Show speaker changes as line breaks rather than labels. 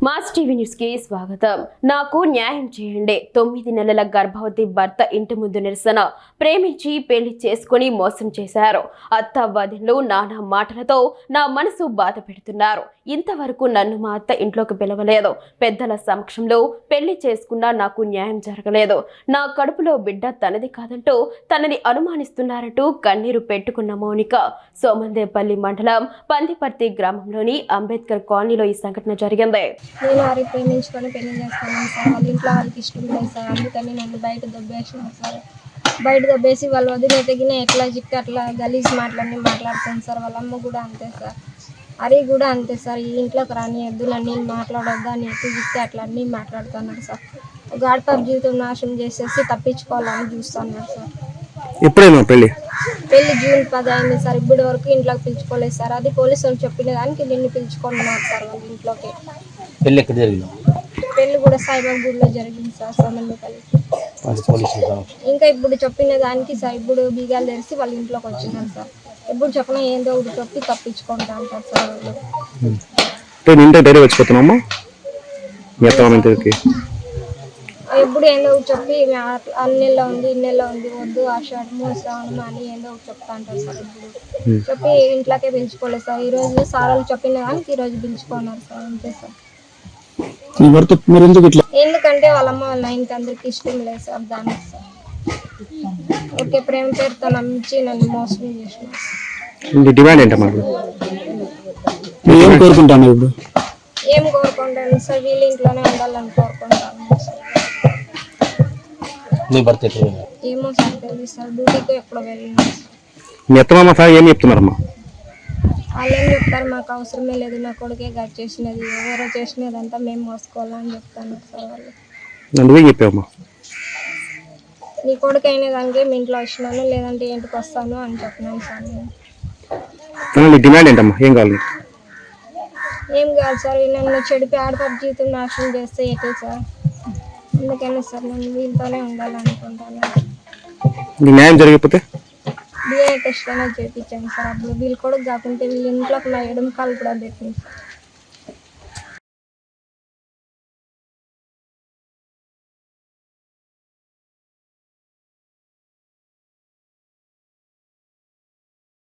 Mass TV news కి స్వాగతం. నాకు న్యాయం చేయండి. 9 నెలల గర్భవతి భర్త ఇంటి ముందు నిరసన. ప్రేమించి పెళ్లి చేసుకుని మోసం చేశారు. అత్త వదినలు నానా మాటలతో నా మనసు బాధ పెడుతున్నారు. ఇంతవరకు నన్ను మా అత్త ఇంట్లోకి పిలవలేదు. పెద్దల సమక్షంలో పెళ్లి చేసుకున్నా నాకు న్యాయం జరగలేదు. నా కడుపులో బిడ్డ తనది కాదంటూ తనని అనుమానిస్తున్నారంటూ కన్నీరు పెట్టుకున్న మౌనిక సోమందేపల్లి మండలం పందిపర్తి గ్రామంలోని అంబేద్కర్ కాలనీలో ఈ సంఘటన జరిగింది.
నేను వారికి ప్రేమించుకొని పెళ్లి చేస్తాను సార్. వాళ్ళ ఇంట్లో వాళ్ళకి ఇష్టం లేదు సార్. అందుకని నన్ను బయట దొబ్బేసినారు సార్. బయట దొబ్బేసి వాళ్ళు వదిలే తగిన ఎట్లా చిక్కి అట్లా గలీజ్ మాటలన్నీ మాట్లాడుతాను సార్. వాళ్ళ అమ్మ కూడా అంతే సార్. అరి కూడా అంతే సార్. ఈ ఇంట్లోకి రాని ఎద్దులన్నీ మాట్లాడొద్దా అని ఎత్తు చిక్కి అట్లా అన్నీ మాట్లాడుతున్నారు సార్. గాడిపాప జీవితం నాశనం చేసేసి తప్పించుకోవాలని చూస్తున్నారు సార్.
ఎప్పుడైనా పెళ్లి
జూన్ 10 అయింది సార్. ఇప్పటి వరకు ఇంట్లోకి పిలుచుకోలేదు సార్. అది పోలీసు వాళ్ళు చెప్పిన దానికి నిన్ను పిలుచుకున్నారు సార్ వాళ్ళ ఇంట్లోకి.
పెళ్లి ఎక్కడ జరిగింది?
పెళ్లి కూడా సాయిబాబా గుడిలో జరిగింది సార్. సోమందేపల్లి. ఇంకా ఇప్పుడు చెప్పిన దానికి సార్ ఇప్పుడు బీగాలు తెరిచి వాళ్ళ ఇంట్లోకి వచ్చినారు సార్. ఎప్పుడు చెప్పినా ఏందో ఒకటి చెప్పి తప్పించుకుంటా అంటారు సార్ వాళ్ళు.
వచ్చిపోతున్నామా
ఎప్పుడు ఏందో ఒకటి చెప్పి అన్నెల్లో ఉంది ఇన్నెల్లో ఉంది వద్దు ఆషాఢము శ్రావణము అని ఏందో ఒకటి చెప్తా అంటారు సార్. ఇప్పుడు చెప్పి ఇంట్లోకే పిలుచుకోలేదు సార్. ఈ రోజు సార్ వాళ్ళు చెప్పిన దానికి ఈ రోజు పిలుచుకున్నారు సార్. అంతే సార్. ఎందుకంటే వాళ్ళమ్మ వాళ్ళ ఆయనకి అందరికి ఇష్టం లేదు సార్. దానికి సార్ ఓకే ప్రేమ పేరుతో నమ్మించి నన్ను మోసం చేసినారు. ఏం కోరుకుంటాను సార్. వీళ్ళ ఇంట్లోనే ఉండాలని కోరుకుంటాను సార్. ఏమో సార్ తెలియదు సార్. డ్యూటీకి ఎప్పుడు వెళ్ళినా సార్.
ఏం చెప్తున్నారమ్మా?
వాళ్ళు ఏం చెప్తారు, మాకు అవసరమే లేదు, నా కొడుకే గట్ చేసినది, ఎవరో చేసినదంతా మేము మోసుకోవాలని చెప్తాను సార్ వాళ్ళు. నీ కొడుకు అయిన దానికే మీ ఇంట్లో వచ్చినాను లేదంటే ఇంటికి వస్తాను అని చెప్పినాను సార్ నేను.
డిమాండ్ ఏంటమ్మా? ఏం కావాలి?
ఏం కాదు సార్. నన్ను చెడిపి ఆడపడి జీవితం నాశనం చేస్తే ఎట్లా సార్? అందుకని సార్ నేను వీళ్ళతోనే ఉండాలనుకుంటాను.
న్యాయం జరిగిపోతే
డిఎన్ఏ టెస్ట్ అనేది చేయించాను సార్. అప్పుడు వీళ్ళు కొడుకు కాకుంటే వీళ్ళ ఇంట్లోకి నా ఎడమ కాలు కూడా పెట్టింది సార్.